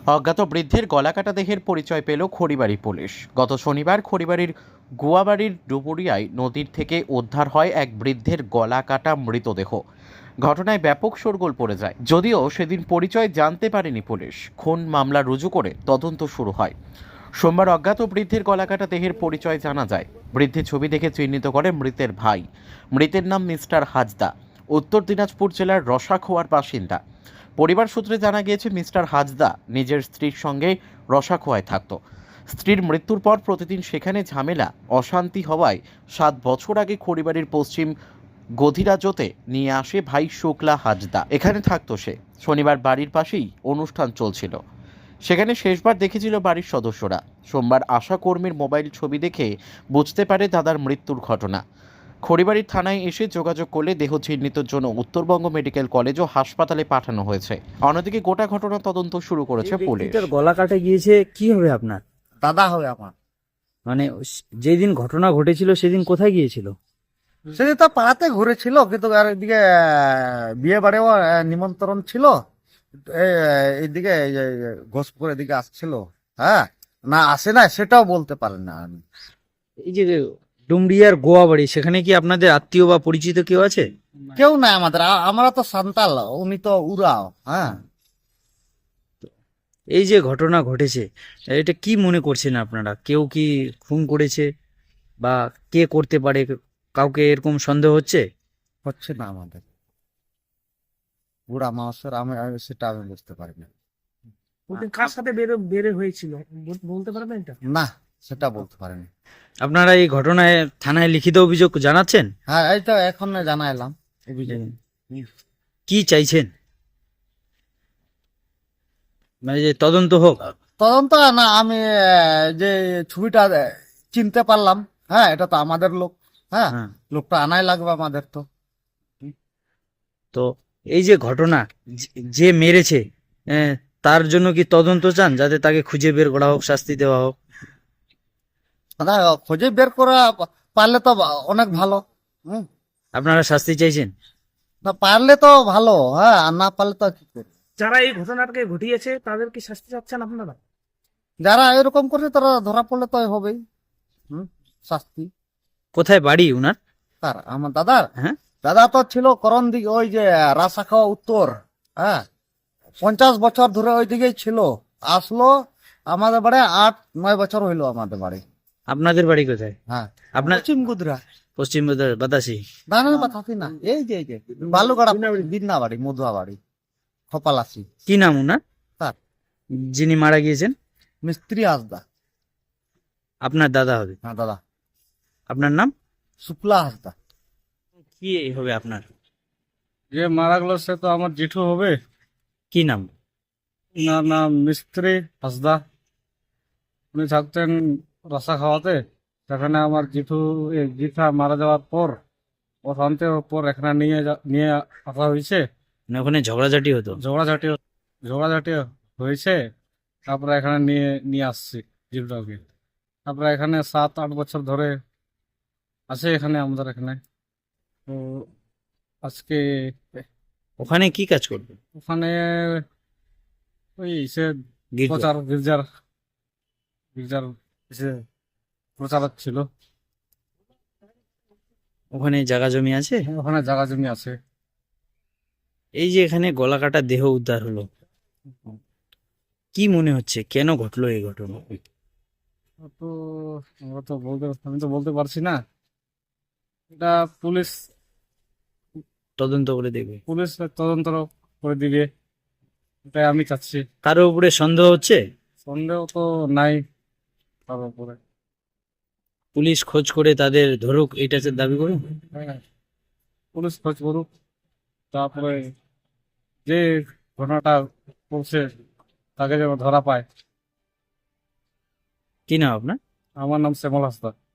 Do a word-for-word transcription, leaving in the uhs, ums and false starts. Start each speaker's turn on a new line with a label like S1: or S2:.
S1: অজ্ঞাত বৃদ্ধের গলাকাটা দেহের পরিচয় পেল খড়িবাড়ি পুলিশ। গত শনিবার খড়িবাড়ির গুয়াবাড়ির ডুবুরিয়ায় নদীর থেকে উদ্ধার হয় এক বৃদ্ধের গলাকাটা মৃতদেহ। ঘটনায় ব্যাপক শোরগোল পড়ে যায়, যদিও সেদিন পরিচয় জানতে পারেনি পুলিশ। খুন মামলা রুজু করে তদন্ত শুরু হয়। সোমবার অজ্ঞাত বৃদ্ধের গলাকাটা দেহের পরিচয় জানা যায়। বৃদ্ধের ছবি দেখে চিহ্নিত করে মৃতের ভাই। মৃতের নাম মিস্টার হাজদা, উত্তর দিনাজপুর জেলার রসাখোয়ার বাসিন্দা। পরিবার সূত্রে জানা গিয়েছে মিস্টার হাজদা নিজের স্ত্রীর সঙ্গে রসাখোয়ায় থাকত। স্ত্রীর মৃত্যুর পর প্রতিদিন সেখানে ঝামেলা অশান্তি হওয়ায় সাত বছর আগে খড়িবাড়ির পশ্চিম গধিরাজতে নিয়ে আসে ভাই শুক্লা হাজদা। এখানে থাকতো সে। শনিবার বাড়ির পাশেই অনুষ্ঠান চলছিল, সেখানে শেষবার দেখেছিল বাড়ির সদস্যরা। সোমবার আশা কর্মীর মোবাইল ছবি দেখে বুঝতে পারে দাদার মৃত্যুর ঘটনা। খড়িবাড়ির থানায় এসে যোগাযোগ করলে দেহ চিহ্নিতের জন্য উত্তরবঙ্গ মেডিকেল কলেজ ও হাসপাতালে পাঠানো হয়েছে। অন্যদিকে গোটা ঘটনা তদন্ত শুরু করেছে পুলিশ।
S2: গলা কাটে গিয়েছে, কি হবে আপনার?
S3: দাদা হবে আমার।
S2: মানে যেদিন ঘটনা ঘটেছিল সেদিন কোথায় গিয়েছিল?
S3: সেদিন তো পাড়াতে ঘুরেছিল, কিন্তু আর এদিকে বিয়ে বাড়িও নিমন্ত্রণ ছিল। এইদিকে ঘোষপুর এদিকে আসছিল। হ্যাঁ, না আসে না সেটাও বলতে পারেন না আমি।
S2: এই যে ডুমরিয়ার গোয়া বাড়ি, সেখানে কি আপনাদের আত্মীয় বা পরিচিত কেউ আছে?
S3: কেউ নাই আমাদের, আমরা তো সান্তাল, উনি তো উড়াও। হ্যাঁ,
S2: এই যে ঘটনা ঘটেছে, এটা কি মনে করছেন আপনারা? কেউ কি খুন করেছে বা কে করতে পারে? কাউকে এরকম সন্দেহ হচ্ছে?
S3: হচ্ছে না আমাদের বুড়া মানুষের, আমি আমি সেটা আমি বুঝতে পারি না।
S4: ওদের কার সাথে বের বের হয়েছিল বল- বলতে পারবেন এটা?
S3: না, সেটা বলতে পারিনি।
S2: আপনারা এই ঘটনায় থানায় লিখিত অভিযোগ জানাচ্ছেন?
S3: হ্যাঁ, এই তো এখন জানাইলাম অভিযোগ।
S2: কি চাইছেন? মানে যে তদন্ত হোক?
S3: তদন্ত না, আমি আহ, যে ছবিটা আহ, চিনতে পারলাম। হ্যাঁ, এটা তো আমাদের লোক। হ্যাঁ,
S2: হ্যাঁ।
S3: লোকটা আনাই লাগবে আমাদের তো।
S2: তো এই যে ঘটনা, যে- যে মেরেছে, আহ, তার জন্য কি তদন্ত চান, যাতে তাকে খুঁজে বের করা হোক, শাস্তি দেওয়া হোক?
S3: দাদা, খুঁজে বের করা পারলে তো অনেক ভালো। হুম,
S2: আপনারা শাস্তি চাইছেন?
S3: না পারলে তো ভালো। হ্যাঁ, আর না পারলে তো কি করবে?
S4: যারা এই ঘটনাটাকে ঘটিয়েছে তাদের কি শাস্তি চাচ্ছেন আপনারা?
S3: যারা এরকম করছে তারা ধরা পড়লে তো হবেই। হুম, শাস্তি।
S2: কোথায় বাড়ি উনার?
S3: তার আমার দাদার,
S2: হ্যাঁ।
S3: দাদা তো ছিল করণ দিকে, ওই যে রাসাখা উত্তর। হ্যাঁ, পঞ্চাশ বছর ধরে ওই দিকেই ছিল। আসলো আমাদের বাড়ি আট নয় বছর হইলো আমাদের বাড়ি।
S2: আপনাদের বাড়ি কোথায়?
S3: হ্যাঁ,
S2: আপনার
S3: পশ্চিম গুদরা।
S2: পশ্চিম বাতাসি?
S3: দানের কথা না, এই যে এই যে বালুগাড়া বিন্না বাড়ি, মধুয়া বাড়ি, খপালাসি।
S2: কি নাম উনার,
S3: তার
S2: যিনি মারা গিয়েছেন?
S3: মিস্ত্রি হাসদা।
S2: আপনার দাদা হবে?
S3: হ্যাঁ দাদা,
S2: আপনার নাম?
S3: শুক্লা হাসদা।
S2: কি হবে আপনার?
S5: যে মারা গেল সে তো আমার জেঠু হবে।
S2: কি নাম?
S5: ওনার নাম মিস্ত্রি হাসদা। উনি থাকতেন রসা খাওয়াতে। সেখানে আমার জেঠু এ, জেঠা মারা যাওয়ার পর ও শান্তি পর এখানে নিয়ে যা- নিয়ে আসা হয়েছে।
S2: মানে ওখানে ঝগড়াঝাটি হতো?
S5: ঝগড়াঝাটি ঝগড়াঝাটি হয়েছে। তারপরে এখানে নিয়ে নিয়ে আসছি জেঠুটাকে। তারপরে এখানে সাত আট বছর ধরে আছে এখানে আমাদের এখানে। তো আজকে
S2: ওখানে কি কাজ করবে?
S5: ওখানে ওই সে
S2: গির্জা?
S5: প্রচার গির্জার গির্জার এসে প্রচারক ছিল।
S2: ওখানে জায়গা জমি আছে?
S5: ওখানে জায়গা জমি আছে।
S2: এই যে এখানে গলাকাটা দেহ উদ্ধার হলো, কি মনে হচ্ছে কেন ঘটলো এই ঘটনা?
S5: তো আমরা তো বলতে আমি তো বলতে পারছি না। এটা পুলিশ
S2: তদন্ত করে দেখবে।
S5: পুলিশ তদন্ত করে দিবে, এটাই আমি চাচ্ছি।
S2: কারো উপরে সন্দেহ হচ্ছে?
S5: সন্দেহ তো নাই তার উপরে।
S2: পুলিশ খোঁজ করে তাদের ধরুক, এটা দাবি করুন।
S5: হ্যাঁ, পুলিশ খোঁজ করুক, তারপরে যে ঘটনাটা করছে তাকে যেন ধরা পায়।
S2: কি নাম আপনার?
S5: আমার নাম শ্যামল হাসদা।